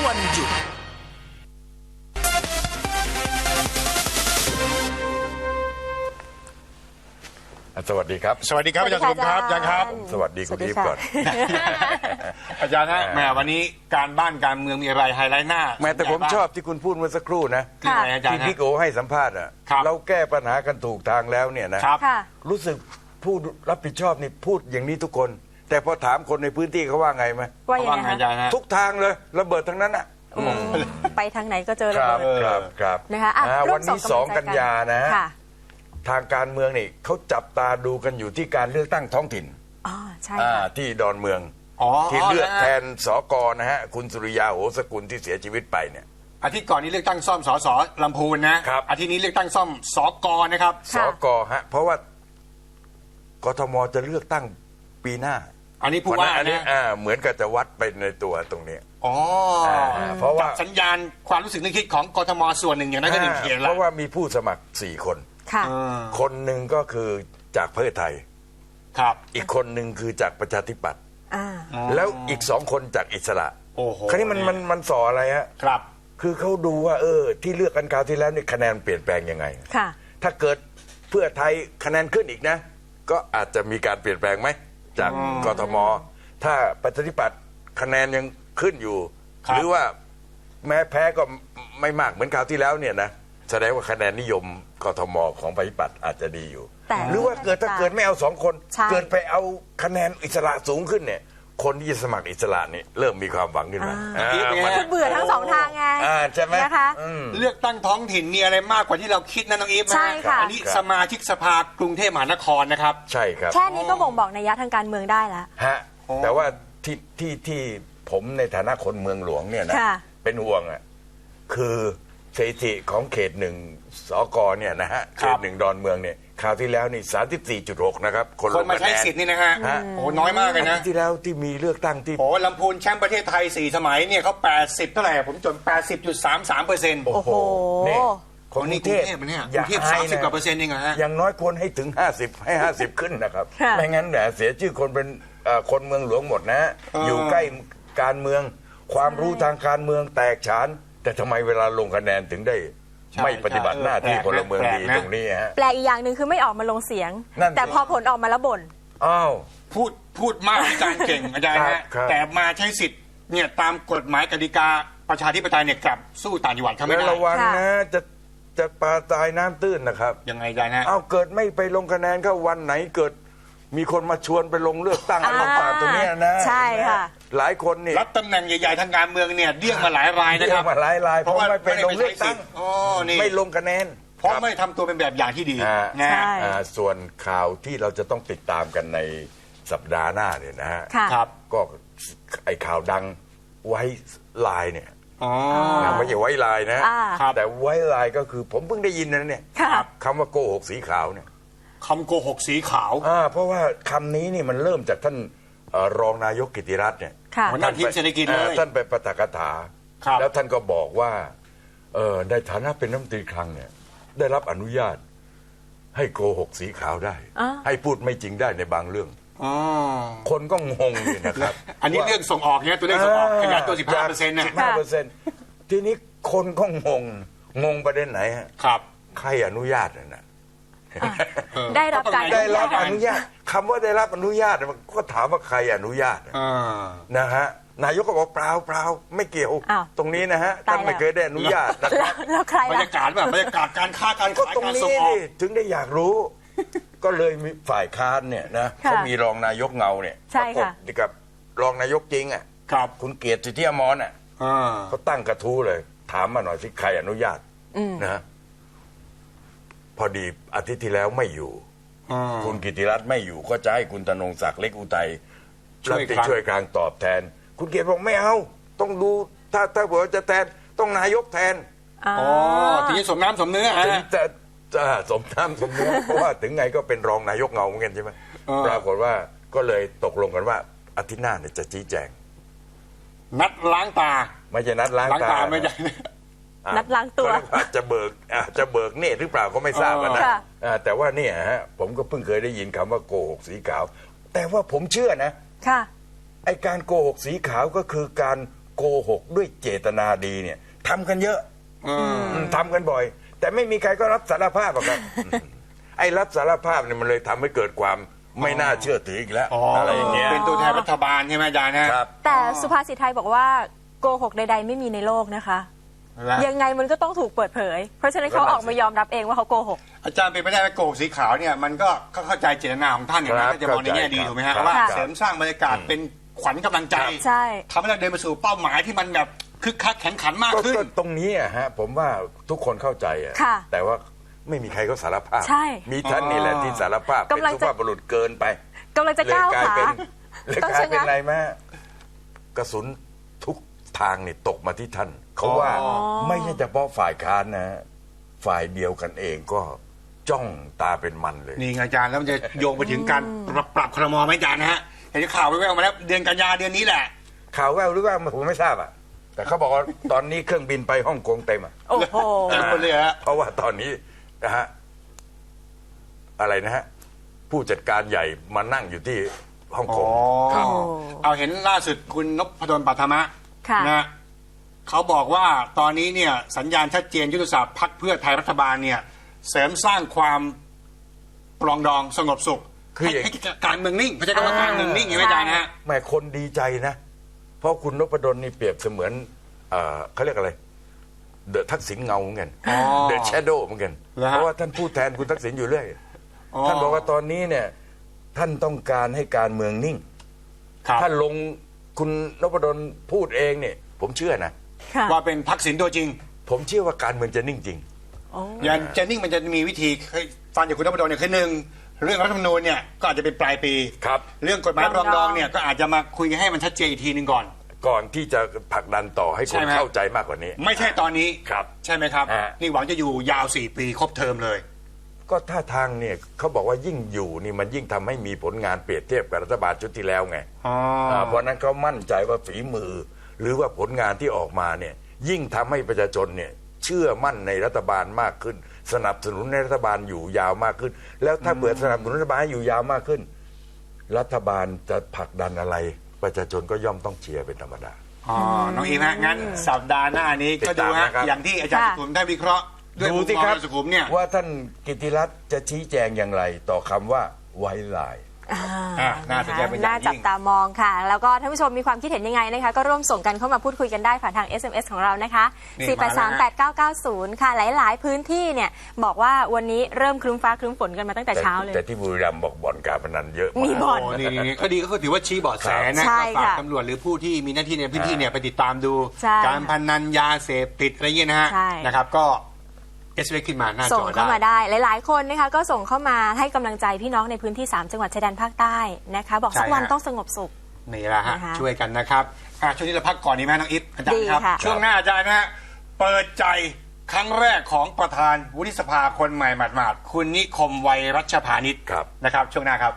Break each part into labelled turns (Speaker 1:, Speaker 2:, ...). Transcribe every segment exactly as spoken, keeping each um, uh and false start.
Speaker 1: วันหยุด
Speaker 2: สวัสดีครับ
Speaker 3: สวัสดีครับอาจารย์สุขุมครับอาจารย์ครับ
Speaker 2: สวัสดีคุณอีฟก่อน
Speaker 3: อาจารย์ฮะแหมวันนี้การบ้านการเมืองมีอะไรไฮไลท์หน้า
Speaker 2: แม้แต่ผมชอบที่คุณพูดเมื่อสักครู่นะที่พี่โกให้สัมภาษณ์อ่ะเราแก้ปัญหากันถูกทางแล้วเนี่ยนะรู้สึกผู้รับผิดชอบนี่พูดอย่างนี้ทุกคนแต่พอถามคนในพื้นที่เขาว่าไงไหม
Speaker 3: ว่าอย่างไรอาจารย์ฮะ
Speaker 2: ทุกทางเลยระเบิดทั้งนั้นอ่ะ
Speaker 4: ไปทางไหนก็เจอระเบิด
Speaker 2: ครับครับ
Speaker 4: นะคะ
Speaker 2: วันนี้สองกันยานะทางการเมืองนี่เขาจับตาดูกันอยู่ที่การเลือกตั้งท้องถิ่น
Speaker 4: อ๋อใช่
Speaker 2: ที่ดอนเมืองที่เลือกแทนสกนะฮะคุณสุริยาโหสกุลที่เสียชีวิตไปเนี่ย
Speaker 3: อาทิตย์ก่อนนี้เลือกตั้งซ่อมสสลำพูนนะครับอาทิตย์นี้เลือกตั้งซ่อมสกนะครับ
Speaker 2: สกฮะเพราะว่ากทมจะเลือกตั้งปีหน้า
Speaker 3: อันนี้ผู้ว่า
Speaker 2: อันนี้เหมือนกับจะวัดไปในตัวตรงนี้
Speaker 3: อ๋อเพราะว่าสัญญาณความรู้สึกนึกคิดของกทมส่วนหนึ่งอย่างนั้นก็หนึ่งเขียนแล้ว
Speaker 2: เพราะว่ามีผู้สมัครสี่คนคนหนึ่งก็คือจากเพื่อไทย
Speaker 3: ครับ
Speaker 2: อีกคนหนึ่งคือจากประชาธิปัตย์แล้วอีกสองคนจากอิสระ
Speaker 3: โอ้โห
Speaker 2: คราวนี้มันมันมันสออะไรฮะ
Speaker 3: ครับ
Speaker 2: คือเขาดูว่าเออที่เลือกกันคราวที่แล้วนี่คะแนนเปลี่ยนแปลงยังไง
Speaker 4: ค่ะ
Speaker 2: ถ้าเกิดเพื่อไทยคะแนนขึ้นอีกนะก็อาจจะมีการเปลี่ยนแปลงไหมจากกทมถ้าประชาธิปัตย์คะแนนยังขึ้นอยู่หรือว่าแม้แพ้ก็ไม่มากเหมือนคราวที่แล้วเนี่ยนะแสดงว่าคะแนนนิยมกทมของประชาธิปัตย์อาจจะดีอยู่หรือว่าเกิดถ้าเกิดไม่เอาสองคนเกิดไปเอาคะแนนอิสระสูงขึ้นเนี่ยคนที่จะสมัครอิสระนี่เริ่มมีความหวังขึ้นมา
Speaker 4: คือเบื่อทั้งสองทางไง
Speaker 2: ใช่ไหม
Speaker 4: นะคะ
Speaker 3: เลือกตั้งท้องถิ่นมีอะไรมากกว่าที่เราคิดนะน้องอีฟ
Speaker 4: ใช่ค่ะ
Speaker 3: อันนี้สมาชิกสภากรุงเทพมหานครนะครับ
Speaker 2: ใช่ครับ
Speaker 4: แค่นี้ก็บ่งบอกนัยยะทางการเมืองได้แล้ว
Speaker 2: ฮะแต่ว่าที่ที่ที่ผมในฐานะคนเมืองหลวงเนี่ยนะเป็นห่วงอ่ะคือสถิติของเขตหนึ่งสกเนี่ยนะฮะเขตหนึ่งดอนเมืองเนี่ยคราวที่แล้วนี่ สามสิบสี่จุดหก นะครับ
Speaker 3: คนมาใช้สิทธิ์นี่นะฮะโอ้น้อยมากเลยนะ
Speaker 2: ที่แล้วที่มีเลือกตั้งที่
Speaker 3: โอ้ลำพูนแชมป์ประเทศไทยสี่สมัยเนี่ยเขาแปดสิบเท่าไหร่ผมจน แปดสิบจุดสามสามเปอร์เซ็นต์
Speaker 2: โอ้โห
Speaker 3: นี่คนนี้กรุงเทพเนี่ยกรุงเทพสามสิบกว่าเปอร์เซ็นต์เองเหรอฮะ
Speaker 2: อย่างน้อยควรให้ถึงห้าสิบให้ห้าสิบขึ้นนะครับไม่งั้นเนี่ยเสียชื่อคนเป็นคนเมืองหลวงหมดนะอยู่ใกล้การเมืองความรู้ทางการเมืองแตกฉานแต่ทำไมเวลาลงคะแนนถึงได้ไม่ปฏิบัติหน้าที่พลเมืองดีตรงนี้ฮะ
Speaker 4: แปลกอีกอย่างหนึ่งคือไม่ออกมาลงเสียงแต่พอผลออกมาแล้วบ่น
Speaker 2: อ้าว
Speaker 3: พูดพูดมากอาจารย์เก่งอาจารย์ฮะแต่มาใช้สิทธิ์เนี่ยตามกฎหมายกติกาประชาธิปไตยเนี่ยกลับสู้ต่างจังหวัดเขาไม่ได้
Speaker 2: ระวังนะจะจะปลาตายน้ำตื้นนะครับ
Speaker 3: ยังไงอาจารย์ฮะ
Speaker 2: เอาเกิดไม่ไปลงคะแนนก็วันไหนเกิดมีคนมาชวนไปลงเลือกตั้งอะไรต่างๆตรงนี้นะ
Speaker 4: ใช่ค่ะ
Speaker 2: หลายคนนี่
Speaker 3: รับตำแหน่งใหญ่ๆทางการเมืองเนี่ยเดี่ยงมาหลายรายนะครับ
Speaker 2: เดี่ยงมาหลายรายเพราะไม่ไปลงเลือกตั้งไม่ลงคะแนน
Speaker 3: เพราะไม่ทำตัวเป็นแบบอย่างที่ดี
Speaker 2: นะส่วนข่าวที่เราจะต้องติดตามกันในสัปดาห์หน้าเนี่ยนะฮะก็ไอ้ข่าวดังไว้ลายเนี่ยไม่ใช่ไว้ลายนะแต่ไว้ลายก็คือผมเพิ่งได้ยินนะเนี่ยคำว่าโกหกสีขาวเนี่ย
Speaker 3: คำโกหกสีขาว
Speaker 2: เพราะว่าคำนี้นี่มันเริ่มจากท่านรองนายกกิติรัตน์เนี่ย
Speaker 3: ท่านทีมเศรษฐกิจเลย
Speaker 2: ท่านไปปาฐกถาแล้วท่านก็บอกว่าในฐานะเป็นรัฐมนตรีคลังเนี่ยได้รับอนุญาตให้โกหกสีขาวได้ให้พูดไม่จริงได้ในบางเรื่องคนก็งงเลยนะครับ
Speaker 3: อันนี้เรื่องส่งออกเนี่ยตัวเลขส่งออกขยายตัว สิบห้าเปอร์เซ็นต์ นะ
Speaker 2: สิบห้าเปอร์เซ็นต์ ทีนี้คนก็งงงงประเด็นไหนฮะ
Speaker 3: ครับ
Speaker 2: ใครอนุญาตน่ะ
Speaker 4: ได้รับการ
Speaker 2: ได้รับอนุญาตคำว่าได้รับอนุญาตมันก็ถามว่าใครอนุญาตนะฮะนายกก็บอกเปล่าเปล่าไม่เกี่ยวตรงนี้นะฮะท่านไม่เคยได้อนุญาตนะครับ
Speaker 4: แล้วใคร
Speaker 3: บรรยากาศแบบบรรยากาศการค้าการขายการส่งออก
Speaker 2: ถึงได้อยากรู้ก็เลยมีฝ่ายค้านเนี่ยนะเขามีรองนายกเงาเนี่ย
Speaker 4: ประกบ
Speaker 2: กับรองนายกจริงอ่ะคุณเกียรติสิทธิอมรอ่ะเขาตั้งกระทู้เลยถามมาหน่อยสิใครอนุญาตนะพอดีอาทิตย์ที่แล้วไม่อยู่คุณกิติรัตน์ไม่อยู่ก็จะให้คุณธนงศักดิ์เล็กอุทัยช่วยช่วยกลางตอบแทนคุณเกียรติบอกไม่เอาต้องดูถ้าถ้าบอกว่าจะแทนต้องนายกแทน
Speaker 3: อ๋อทีนี้สมน้ำสมเนื้อ
Speaker 2: ถึงจะสมน้ำสมเนื้อเพราะว่าถึงไงก็เป็นรองนายกเงาเหมือนกันใช่ไหมปรากฏว่าก็เลยตกลงกันว่าอาทิตย์หน้าเนี่ยจะชี้แจง
Speaker 3: นัดล้างตา
Speaker 2: ไม่ใช่นัดล้างตา
Speaker 3: ไม่ใช่
Speaker 4: นัดล้างตัว
Speaker 2: อาจจะเบิกอาจจะเบิกเนตรหรือเปล่าก็ไม่ทราบนะแต่ว่าเนี่ยฮะผมก็เพิ่งเคยได้ยินคำว่าโกหกสีขาวแต่ว่าผมเชื่อนะ
Speaker 4: ค่ะ
Speaker 2: ไอการโกหกสีขาวก็คือการโกหกด้วยเจตนาดีเนี่ยทำกันเยอะ
Speaker 3: อืม
Speaker 2: อืมทำกันบ่อย แต่ไม่มีใครก็รับสารภาพหรอกครับ ไอ้รับสารภาพเนี่ยมันเลยทำให้เกิดความไม่น่าเชื่อถืออีกแล้ว
Speaker 3: อ๋อ
Speaker 2: อะไรอย่างเงี้ย
Speaker 3: เป็นตัวแทนรัฐบาลใช่ไหมอาจารย์นะครับ
Speaker 4: แต่สุภาษิตไทยบอกว่าโกหกใด ๆ ไม่มีในโลกนะคะ
Speaker 3: แล้ว
Speaker 4: ยังไงมันก็ต้องถูกเปิดเผย เพราะฉะนั้นเขาออกมายอมรับเองว่าเขาโกหก
Speaker 3: อาจารย์เป็นไปได้ไหมโกหกสีขาวเนี่ยมันก็เข้าใจเจตนาของท่านอย่างนั้น
Speaker 2: ครับ
Speaker 3: ถ้าจะมองในแง่ดี
Speaker 2: เข้าใจ
Speaker 3: ถูกไหมฮะ
Speaker 2: ครับ
Speaker 3: ว่า
Speaker 4: ครับ
Speaker 3: เสริมสร้างบรรยากาศเป็นขวัญกำลังใจ
Speaker 4: ใช่
Speaker 3: ทำให้เราเดินมาสู่เป้าหมายที่มันแบบคึกคักแข็งขันมาก
Speaker 2: ก็
Speaker 3: ขึ้น
Speaker 2: ก็ตรงนี้อะฮะผมว่าทุกคนเข้าใจอะ
Speaker 4: ค่ะ
Speaker 2: แต่ว่าไม่มีใครก็สารภาพ
Speaker 4: ใช่
Speaker 2: มีท่านนี่แหละที่สารภาพเป็น
Speaker 4: กำลัง
Speaker 2: สุ
Speaker 4: จะ
Speaker 2: ภาพบุรุษเกินไป
Speaker 4: กำลังจะ
Speaker 2: เลย
Speaker 4: ก้าว
Speaker 2: กลาย
Speaker 4: ขา
Speaker 2: เป็นเลย
Speaker 4: ต้อง
Speaker 2: กลาย
Speaker 4: ชะงัก
Speaker 2: เป็นอะไรแม่กระสุนทุกทางนี่ตกมาที่ท่าน เขาว่า
Speaker 3: อ๋อ
Speaker 2: ไม่ใช่เฉพาะฝ่ายค้านนะ ฝ่ายเดียวกันเองก็จ้องตาเป็นมันเลย
Speaker 3: นี่ไงอาจารย์แล้วมันจะโยงไปถึงการปรับปรับครมไหมอาจารย์นะฮะเห็นข่าวแว่วๆมาแล้วเดือนกันยาเดือนนี้แหละ
Speaker 2: ข่าวแววหรือว่าผมไม่ทราบอ่ะ แต่เขาบอกว่าตอนนี้เครื่องบินไปฮ่องกงเต็มอ่ะ
Speaker 4: โอ้โห
Speaker 3: เต็มหมดเลยฮะ
Speaker 2: เพราะว่าตอนนี้นะฮะอะไรนะฮะผู้จัดการใหญ่มานั่งอยู่ที่ฮ่องกงครับ
Speaker 4: โอ้
Speaker 3: เอาเห็นล่าสุดคุณนพดลปัทมะ
Speaker 4: ค่ะ
Speaker 3: นะเขาบอกว่าตอนนี้เนี่ยสัญญาณชัดเจนยุทธศาสตร์พรรคเพื่อไทยรัฐบาลเนี่ยเสริมสร้างความปรองดองสงบสุข
Speaker 2: คืออย่าง
Speaker 3: ให้ให้การเมืองนิ่งไม่ใช่คำว่าการเมืองนิ่งอย่างไม่ใจนะฮะ
Speaker 2: แม่คนดีใจนะ เพราะคุณนพดลนี่เปรียบเสมือนเอ่อเขาเรียกอะไรเดอะทักษิณเงาเหมือนกัน
Speaker 3: อ๋อ
Speaker 2: เดอะแชโดว์เหมือนกัน
Speaker 3: เหรอฮะ
Speaker 2: เพราะว่าท่านพูดแทนคุณทักษิณอยู่เรื่อย
Speaker 3: อ๋อ
Speaker 2: ท่านบอกว่าตอนนี้เนี่ยท่านต้องการให้การเมืองนิ่ง
Speaker 3: ครับ
Speaker 2: ท่านลงคุณนพดลพูดเองเนี่ยผมเชื่อนะ
Speaker 4: ค่ะ
Speaker 3: ว่าเป็นทักษิณตัวจริง
Speaker 2: ผมเชื่อว่าการเมืองจะนิ่งจริง
Speaker 4: โอ้
Speaker 3: อย่างเจนนิ่งมันจะมีวิธีเคยฟังจากคุณนพดลเนี่ยคือหนึ่งเรื่องรัฐธรรมนูญเนี่ยก็อาจจะเป็นปลายปี
Speaker 2: ครับ
Speaker 3: เรื่องกฎหมายปรองดองเนี่ยก็อาจจะมาคุยกันให้มันชัดเจนอีกทีหนึ่งก่อน
Speaker 2: ก่อนที่จะผลักดันต่อให้ค
Speaker 3: ใช่
Speaker 2: น
Speaker 3: ไหม
Speaker 2: เข้าใจมากกว่านี้
Speaker 3: ไม่ใช่ตอนนี้
Speaker 2: ครับ
Speaker 3: ใช่ไหมครับ
Speaker 2: ฮะ
Speaker 3: นี่หวังจะอยู่ยาวสี่ปีครบเทอมเลย
Speaker 2: ก็ท่าทางเนี่ยเขาบอกว่ายิ่งอยู่นี่มันยิ่งทำให้มีผลงานเปรียบเทียบกับรัฐบาลชุดที่แล้วไง
Speaker 3: อ๋อ
Speaker 2: อ่าเพราะนั้นเขามั่นใจว่าฝีมือ หรือว่าผลงานที่ออกมาเนี่ยยิ่งทำให้ประชาชนเนี่ยเชื่อมั่นในรัฐบาลมากขึ้น สนับสนุนในรัฐบาลอยู่ยาวมากขึ้น แล้วถ้าเปิดสนับสนุนรัฐบาลให้อยู่ยาวมากขึ้น รัฐบาลจะผลักดันอะไร ประชาชนก็ย่อมต้องเชียร์เป็นธรรมดา
Speaker 3: อ๋อ น้องอีฮะงั้นสัปดาห์หน้านี้ก็ดูฮะ
Speaker 2: ติดตามนะครับ
Speaker 3: อย่างที่อาจารย์สุขุมได้วิเคราะห์ด้วย
Speaker 2: ดู
Speaker 3: มุม
Speaker 2: สิ
Speaker 3: มอง
Speaker 2: ครับ
Speaker 3: อาจารย์สุขุมเนี่ย
Speaker 2: ว่าท่านกิติรัตน์จะชี้แจงอย่างไร ต่อคำว่าไว้ลาย
Speaker 4: อ่า
Speaker 3: อ่ะน่าสนใจเป็นอย่างยิ่ง
Speaker 4: น่าจับตามองค่ะ แล้วก็ท่านผู้ชมมีความคิดเห็นยังไงนะคะ ก็ร่วมส่งกันเข้ามาพูดคุยกันได้ผ่านทาง เอส เอ็ม เอส ของเรานะคะ
Speaker 3: นี่
Speaker 4: สี่ แปด สาม แปด เก้า เก้า ศูนย์ ค่ะ หลาย ๆ พื้นที่เนี่ยบอกว่าวันนี้เริ่มครึ้มฟ้าครึ้มฝนกันมาตั้งแต่
Speaker 2: แต่
Speaker 4: เช้าเลย
Speaker 2: แต่ที่บุรีรัมย์บอกบ่อนการพนันเยอะ
Speaker 4: มี
Speaker 2: มาก
Speaker 4: บ่อน
Speaker 3: โอ้นี่นี่นี่ก็ดีก็ถือว่าชี้เบาะแสนะ
Speaker 4: ใช่
Speaker 3: ก็ฝาก
Speaker 4: ค่ะ
Speaker 3: ตำรวจหรือผู้ที่มีหน้าที่ในพื้นที่เนี่ยไปติดตามดู
Speaker 4: ใช่
Speaker 3: การพนันยาเสพติดอะไรเงี้ยนะฮะ
Speaker 4: ใช่
Speaker 3: นะครับก็เอสเขึ้นมาหน้าจ
Speaker 4: ส่ง
Speaker 3: อ
Speaker 4: เข้ามา
Speaker 3: ได้
Speaker 4: ได้หลาย ๆ คนนะคะก็ส่งเข้ามาให้กำลังใจพี่น้องในพื้นที่ สาม จังหวัดชายแดนภาคใต้นะคะ บอกสักวันต้องสงบสุข
Speaker 3: นี่แหละฮะ
Speaker 4: นะคะ
Speaker 3: ช่วยกันนะครับอ่ะช่วงนี้เราพักก่อนดีไหมน้องอิฟอาจารย์ครับ
Speaker 4: ดีค่ะ
Speaker 3: ช่วงหน้าอาจารย์นะฮะเปิดใจครั้งแรกของประธานวุฒิสภาคนใหม่หมาดๆคุณนิคมวัยรัชพานิช
Speaker 2: ครับ
Speaker 3: นะครับ ช่วงหน้าครับ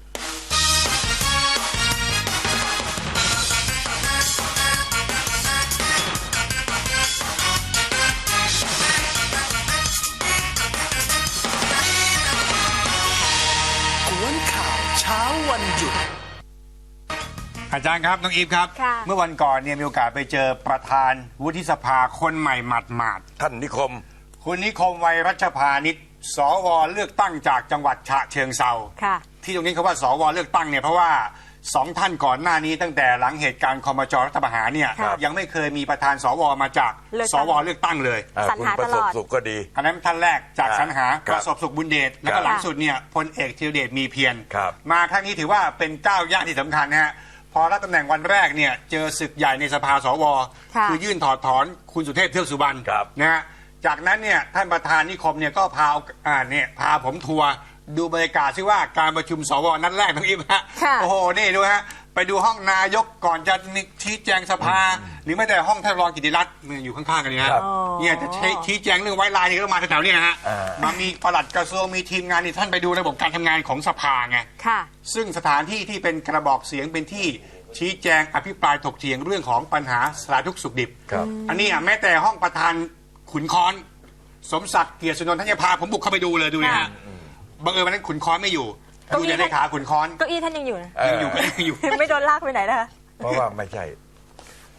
Speaker 1: กวนข่าวเช้าวันหยุด
Speaker 3: อาจารย์ครับน้องอีฟครับ
Speaker 4: ค่ะ
Speaker 3: เมื่อวันก่อนเนี่ยมีโอกาสไปเจอประธานวุฒิสภาคนใหม่หมาดๆ
Speaker 2: ท่านนิคม
Speaker 3: คุณนิคมวัยรัชพานิชสวเลือกตั้งจากจังหวัดฉะเชิงเซา
Speaker 4: ค่ะ
Speaker 3: ที่ตรงนี้เขาว่าสวเลือกตั้งเนี่ยเพราะว่าสองท่านก่อนหน้านี้ตั้งแต่หลังเหตุการณ์คอมจรัฐประหารเนี่ย
Speaker 4: ครับ
Speaker 3: ยังไม่เคยมีประธานสวมาจาก
Speaker 4: เลือก
Speaker 3: ส
Speaker 4: ตั้ง
Speaker 3: วเลือกตั้งเลย
Speaker 2: อ่า
Speaker 4: สรร
Speaker 2: คุณ
Speaker 4: หา
Speaker 2: ประ
Speaker 4: ต
Speaker 2: ส
Speaker 4: ล
Speaker 2: บ
Speaker 4: อด
Speaker 2: สุขก็ดี
Speaker 3: อันนั้นท่านแรกจาก
Speaker 2: ครับ
Speaker 3: สรรหา
Speaker 2: ค
Speaker 3: ป
Speaker 2: รับ
Speaker 3: ระสบสุขบุญเดชแล้วก็
Speaker 2: ครับ
Speaker 3: หลังสุดเนี่ยพลเอกธีรเดชมีเพียร
Speaker 2: ครับ
Speaker 3: มาครั้งนี้ถือว่าเป็นก้าวย่างที่สำคัญนะฮะพอรับตำแหน่งวันแรกเนี่ยเจอศึกใหญ่ในสภาสว
Speaker 4: ค่ะ
Speaker 3: คือยื่นถอดถอนคุณสุเทพเทือกสุบรรณ
Speaker 2: ครับ
Speaker 3: นะฮะจากนั้นเนี่ยท่านประธานนิคมเนี่ยก็พาอ่าเนี่ยพาผมทัวร์ดูบรรยากาศซิว่าการประชุมสวนัดแรกน้องอิฟฮะ
Speaker 4: ค่ะ
Speaker 3: โอ้โหนี่ดูฮะไปดูห้องนายกก่อนจะชี้แจงสภา หรือไม่แต่ห้องท่านรองกิติรัตน์เนี่ยอยู่ข้างๆกันนี่ฮะ
Speaker 2: ครับ
Speaker 3: เนี่ยจะใช้ชี้แจงเรื่องไว้ลายนี่ก็มาแถวๆนี้นะฮะ
Speaker 2: อ่า
Speaker 3: มามีปลัดกระทรวงมีทีมงานนี่ท่านไปดูระบบการทำงานของสภาไง
Speaker 4: ค่ะ
Speaker 3: ซึ่งสถานที่ที่เป็นกระบอกเสียงเป็นที่ชี้แจงอภิปรายถกเถียงเรื่องของปัญหาสารทุกข์สุขดิบ
Speaker 2: ครับ
Speaker 3: อันนี้อ่ะแม้แต่ห้องประธานขุนค้อน สมศักดิ์เกียรติสุนนท์ท่านจะพาผมบุกเข้าไปดูเลยดูนะฮะ
Speaker 4: ค่ะ
Speaker 3: บังเอิญวันนั้นขุนค้อนไม่อยู่
Speaker 4: เก้า
Speaker 3: ดู
Speaker 4: อี้
Speaker 3: แต่เลขาขุนค้อน
Speaker 4: เก้าอี้ท่านยังอยู่นะ
Speaker 2: เอ่อ
Speaker 3: ยังอยู่ก็ยังอยู่
Speaker 4: ไม่โดนลากไปไหนนะคะ
Speaker 2: เพราะว่าไม่ใช่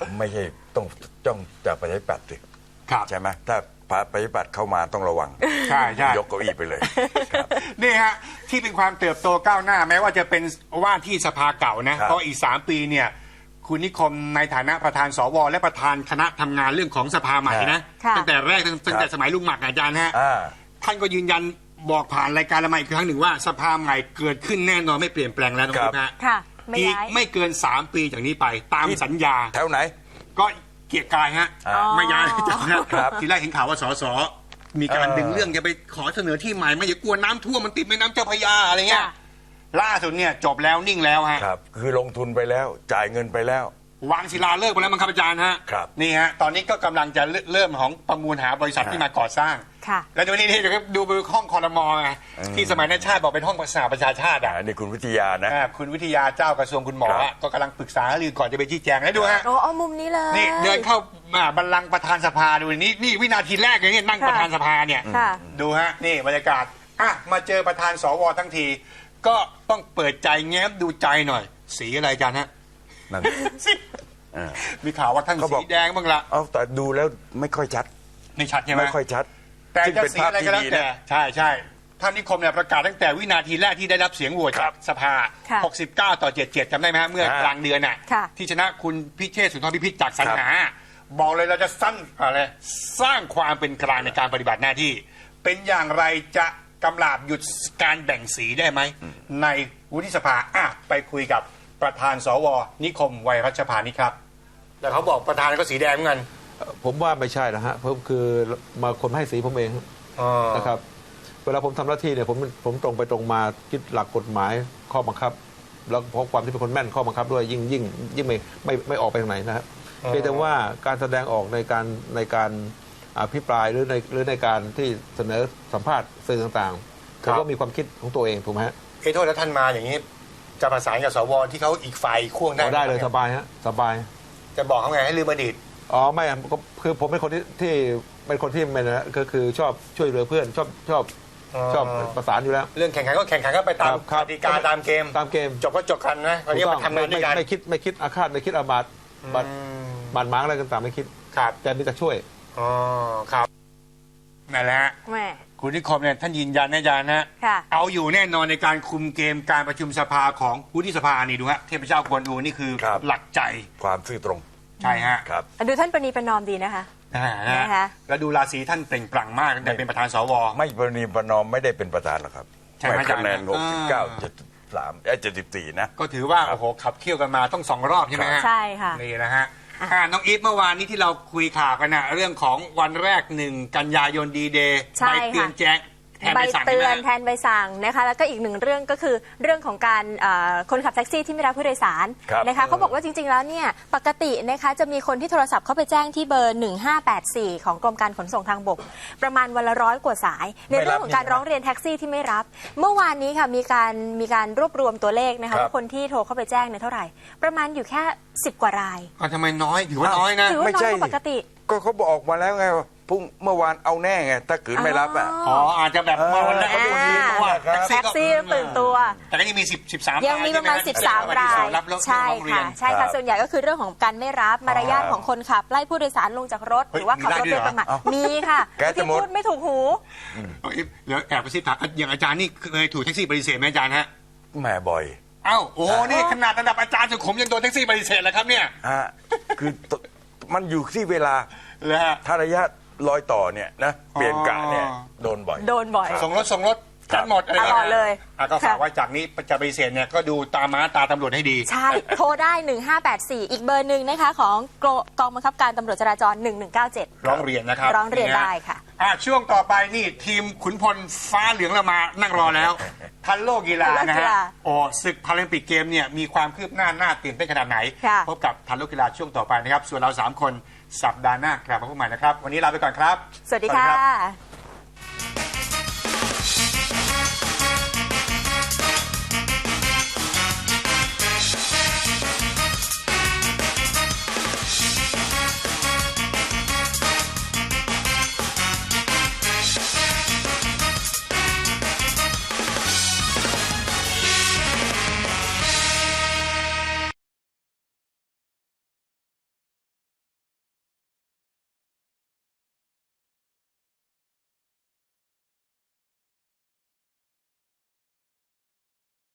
Speaker 2: ไม่ใช่ต้องจ้องจากประชาธิปัตย์สิ
Speaker 3: ครับ
Speaker 2: ใช่ไหมถ้าประชาธิปัตย์เข้ามาต้องระวัง
Speaker 3: ใช่ใช่
Speaker 2: ยกเก้าอี้ไปเลยครับ
Speaker 3: นี่ฮะที่เป็นความเติบโตก้าวหน้าแม้ว่าจะเป็นว่าที่สภาเก่านะครับ เพราะอีกสามปีเนี่ยคุณนิคมในฐานะประธานสวและประธานคณะทำงานเรื่องของสภาใหม่นะ
Speaker 4: ค่ะ
Speaker 3: ตั้งแต่แรกตั้งตั้งแต่สมัยลุงหมักอาจารย์ฮะ
Speaker 2: อ่า
Speaker 3: ท่านก็ยืนยันบอกผ่านรายการละมาอีกครั้งหนึ่งว่าสภาใหม่เกิดขึ้นแน่นอนไม่เปลี่ยนแปลงแล้วนะค
Speaker 2: ครั
Speaker 3: รับบ ฮะ
Speaker 4: ค่ะ ไม่
Speaker 3: อีก
Speaker 4: ย้าย
Speaker 3: ไม่เกินสามปีจากนี้ไปตามสัญญา
Speaker 2: แถวไหน
Speaker 3: ก็เกียรติกายฮะ
Speaker 2: อ๋อ
Speaker 3: ไม่ย้ายจากนะครับ ทีแรกเห็นข่าวว่าสสมีการ
Speaker 2: เออ
Speaker 3: ดึงเรื่องจะไปขอเสนอที่ใหม่ไม่อย่ากลัวน้ำท่วมมันติดแม่น้ำเจ้าพระยาอะไรเงี้ย
Speaker 4: ค่ะ
Speaker 3: ล่าสุดเนี่ยจบแล้วนิ่งแล้วฮะ
Speaker 2: ครับ คือลงทุนไปแล้วจ่ายเงินไปแล้ว
Speaker 3: วางศิลาฤกษ์ไปแล้วมั้งครับอาจารย์ฮะ
Speaker 2: ครับ
Speaker 3: นี่ฮะตอนนี้ก็กำลังจะเริ่มของประมูลหาบริษัทที่มาก่อสร้าง
Speaker 4: ค่ะ
Speaker 3: แล้วดูนี่นี่เดี๋ยวดูไปห้องคอรมอไงที่สมัยนั้นชาติบอกเป็นห้องสหประชาชาติ
Speaker 2: อ่า
Speaker 3: อ่ะ
Speaker 2: นี่คุณวิทยานะ
Speaker 3: อ่าคุณวิทยาเจ้ากระทรวงคุณหมอ
Speaker 2: ครับ
Speaker 3: อะก็กำลังปรึกษาหารือก่อนจะไปชี้แจงให้ดูฮะ
Speaker 4: โอ้เอามุมนี้เลย
Speaker 3: นี่เดินเข้ามาบัลลังก์ประธานสภาดูนี่นี่วินาทีแรกเลยเนี่ยนั่ง
Speaker 4: ค่ะ
Speaker 3: ประธานสภาเนี่ย
Speaker 4: ค่ะ
Speaker 3: ดูฮะนี่บรรยากาศอ่ะมาเจอประธานสวทั้งที ก็ต้องเปิดใจแง้มดูใจหน่อย สีอะไรอาจารย์ฮะ
Speaker 2: นั่น
Speaker 3: สี
Speaker 2: อ่า
Speaker 3: มีข่าวว่าท่าน
Speaker 2: เขาบอก
Speaker 3: สีแดงบ้างละ
Speaker 2: เอาแต่ดูแล้วไม่ค่อยชัด
Speaker 3: ไม่ชัดใช่ไหม
Speaker 2: ไม่ค่อยชัด
Speaker 3: แต่
Speaker 2: ซึ่ง
Speaker 3: จะ
Speaker 2: เป็น
Speaker 3: สี
Speaker 2: ภาพ
Speaker 3: อะไร
Speaker 2: ที่
Speaker 3: ก็แล้ว
Speaker 2: ดี
Speaker 3: แต่
Speaker 2: นะ
Speaker 3: ใช่ใช่ท่านนิคมเนี่ยประกาศตั้งแต่วินาทีแรกที่ได้รับเสียงโหวต
Speaker 2: ครั
Speaker 3: จา
Speaker 2: บ
Speaker 3: กสภา
Speaker 4: ค่ะ
Speaker 3: หกสิบเก้า ต่อ เจ็ดสิบเจ็ด จำได้ไหมฮะเมื่อ
Speaker 2: อ่าก
Speaker 3: ลางเดือนน่ะ
Speaker 4: ค่ะ
Speaker 3: ที่ชนะคุณพิเชษฐ์สุนทรพิพิธจากสรรหา บอกเลยเราจะสร้างอะไรสร้างความเป็นกลางในการปฏิบัติหน้าที่ เป็นอย่างไรจะกำราบหยุดการแบ่งสีได้ไหม ในวุฒิสภาอ่ะไปคุยกับประธานสวนิคมวัยรัชพานิชครับแต่เขาบอกประธานก็สีแดงเหมือนกัน
Speaker 5: ผมว่าไม่ใช่นะฮะเพราะคือมาคนให้สีผมเองนะครับ เวลาผมทำหน้าที่เนี่ยผมผมตรงไปตรงมาคิดหลักกฎหมายข้อบังคับ แล้วเพราะความที่เป็นคนแม่นข้อบังคับด้วยยิ่งยิ่งยิ่งไม่ไม่ไม่ออกไปทางไหนนะครับ
Speaker 3: อ๋อ
Speaker 5: เพียงแต่ว่าการแสดงออกในการในการอภิปรายหรือในหรือในการที่เสนอสัมภาษณ์สื่อต่างๆผมก็มีความคิดของตัวเองถูกไหมฮะ
Speaker 3: เอ้โทษแล้วท่านมาอย่างนี้ จะประสานกับสวที่เขาอีกฝ่ายขั้วงได้
Speaker 5: เอาได้เลย
Speaker 3: หม
Speaker 5: สบายฮะสบาย
Speaker 3: จะบอกเขาไงให้ลืมอดีต
Speaker 5: อ๋อไม่อะก็คือผมเป็นคนที่ที่เป็นคนที่เป็นนะก็คือชอบช่วยเหลือเพื่อนชอบชอบ
Speaker 3: อ๋อ
Speaker 5: ชอบประสานอยู่แล้ว
Speaker 3: เรื่องแข่งขันก็แข่งขันก็ไปตาม
Speaker 5: ครับ
Speaker 3: กติกาตามเกม
Speaker 5: ตามเกม
Speaker 3: จบก็จบกันนะวันนี้มาทำงานด้วยกัน
Speaker 5: ไม่ไม่คิดไม่คิดอาฆาตไม่คิดอาบัติบัตรบาดหมางอะไรต่างๆไม่คิด
Speaker 3: ครับ
Speaker 5: แต่มีแต่ช่วย
Speaker 3: อ๋อครับนั่นแหละฮะ
Speaker 4: แหม่
Speaker 3: คุณนิคมเนี่ยท่านยืนยันนะอาจารย์นะ
Speaker 4: ค่ะ
Speaker 3: เอาอยู่แน่นอนในการคุมเกมการประชุมสภาของวุฒิสภานี่ดูฮะเทพเจ้ากวนอูนี่คือ
Speaker 2: ครับ
Speaker 3: หลักใจ
Speaker 2: ความซื่อตรง
Speaker 3: ใช่ฮะ
Speaker 2: ครับ
Speaker 4: ดูท่านประนีประนอมดีนะคะ
Speaker 3: อ่านะ
Speaker 4: นะคะ
Speaker 3: แล้วดูราศีท่านเปล่งปลั่งมากตั้งแต่เป็นประธานสว
Speaker 2: ไม่ประนีประนอมไม่ได้เป็นประธานหรอกครับ
Speaker 3: ใช่ไหม
Speaker 2: ไม่คะแนน
Speaker 3: อาจารย์
Speaker 2: หกสิบเก้า
Speaker 3: อ่า
Speaker 2: เจ็ดสิบสามเอ้เจ็ดสิบสี่นะ
Speaker 3: ก็ถือว่าโอ้โหขับเคี่ยวกันมาต้องสองรอบใช่ไหมฮะ
Speaker 4: ใช่ค่ะ
Speaker 3: นี่นะฮะอ่าน้องอีฟเมื่อวานนี้ที่เราคุยข่าวกันนะเรื่องของวันแรกหนึ่งกันยายนดีเดย์
Speaker 4: ใช่
Speaker 3: ใบเตือน
Speaker 4: ค่ะ
Speaker 3: แจ้งแทน
Speaker 4: ใบ
Speaker 3: ใบสั่ง
Speaker 4: เตื
Speaker 3: ใช่ไห
Speaker 4: อ
Speaker 3: ม
Speaker 4: นแทนใบสั่งนะคะแล้วก็อีกหนึ่งเรื่องก็คือเรื่องของการเอ่อคนขับแท็กซี่ที่ไม่รับผู้โดยสาร
Speaker 2: ครับ
Speaker 4: นะคะเขาบอกว่าจริงๆแล้วเนี่ยปกตินะคะจะมีคนที่โทรศัพท์เข้าไปแจ้งที่เบอร์หนึ่งห้าแปดสี่ของกรมการขนส่งทางบก ประมาณวันละร้อยกว่าสาย ในเรื่องของการร้องเรียนแท็กซี่ที่ไม่รับ เมื่อวานนี้ค่ะมีการมีการรวบรวมตัวเลขนะ
Speaker 2: ครั
Speaker 4: คะ
Speaker 2: บ
Speaker 4: ว่าคนที่โทรเข้าไปแจ้งเนี่ยเท่าไหร่ ประมาณอยู่แค่สิบกว่าราย
Speaker 3: อ่ะทำไมน้อยถือว่าน้อยนะ
Speaker 4: ถือว่า
Speaker 2: ไม่
Speaker 4: น้อย
Speaker 2: ใช่
Speaker 4: กว่าปกติ
Speaker 2: ก็เขาบอกมาแล้วไงว่าพรุ่งเมื่อวานเอาแน่ไงถ้าขืนไม่รับอ่ะ
Speaker 3: อ๋ออาจจะแบบมาวันแรกเขาดูดีเพราะว่า
Speaker 2: ครับ
Speaker 3: แท็กซี่
Speaker 4: แท็กซี่
Speaker 3: ก็
Speaker 4: ตื่นตัว
Speaker 3: แต่ก็ยังมีสิบสิบสาม
Speaker 4: ยังมีประมาณ สิบสาม ราย
Speaker 3: รับเรื่อง
Speaker 4: ใช่
Speaker 3: ร้องเรีย
Speaker 4: ค่ะ
Speaker 3: น
Speaker 4: ใช่
Speaker 2: ครั
Speaker 4: ค่ะ
Speaker 2: บ
Speaker 4: ส่วนใหญ่ก็คือเรื่องของการไม่รับมารยาทของคนขับไล่ผู้โดยสารลงจากรถ
Speaker 3: เฮ้ย
Speaker 4: หรือว่าขับรถ
Speaker 3: มี
Speaker 4: โด
Speaker 3: ได้
Speaker 4: ย
Speaker 3: ด้วยเหรอ
Speaker 4: ประมาท
Speaker 2: เอ้า
Speaker 4: มีค่ะ
Speaker 2: แกจะ
Speaker 4: ที่
Speaker 2: หมด
Speaker 4: พูดไม่ถูกหู
Speaker 3: เอาอีฟเดี๋ยวแอบไปซิถามอย่างอาจารย์นี่เคยถูกแท็กซี่ปฏิเสธไหมอาจารย์ฮะ
Speaker 2: แหมบ่อย
Speaker 3: เอ้าโอ้โหนี่ขนาดระดับอาจารย์สุขุมยังโดนแท็กซี่ปฏิเสธแล้วครับเนี่ย
Speaker 2: ฮะคือตมันอยู่ที่เวลา
Speaker 3: เลยฮะ
Speaker 2: ถ้าระยะรอยต่อเนี่ยนะเปลี่ยนกะเนี่ย
Speaker 3: อ๋อ
Speaker 2: โดนบ่อย
Speaker 4: โดนบ่อย
Speaker 3: ส่งรถส่งรถกันหมดอะไร
Speaker 4: ตลอดเลย
Speaker 3: อ่ะก็ฝาก
Speaker 4: ค่ะ
Speaker 3: ไว้จากนี้จะปฏิเสธเนี่ยก็ดูตาม้าตาตำรวจให้ดี
Speaker 4: ใช่ โทรได้ หนึ่งห้าแปดสี่ อีกเบอร์หนึ่งนะคะ ของกองบังคับการตำรวจจราจร หนึ่งหนึ่งเก้าเจ็ด
Speaker 3: ร้องเรียนนะครับ
Speaker 4: ร้องเรียนได้ค่ะ
Speaker 3: อ่ะช่วงต่อไปนี่ทีมขุนพลฟ้าเหลืองเรามานั่งรอแล้ว ทันโลกกีฬา
Speaker 4: ทันโลก
Speaker 3: นะ
Speaker 4: กี
Speaker 3: ฮะ
Speaker 4: ฬา
Speaker 3: โอ้ศึกพาราลิมปิกเกมเนี่ยมีความคืบหน้าหน้าตื่นเต้นขนาดไหน
Speaker 4: ค่ะ
Speaker 3: พบกับทันโลกกีฬาช่วงต่อไปนะครับ ส่วนเราสามคนสัปดาห์หน้ากลับมาพบกันใหม่นะครับ วันนี้ลาไปก่อนครับ
Speaker 4: สวัสดี
Speaker 3: รับ
Speaker 4: ค่ะ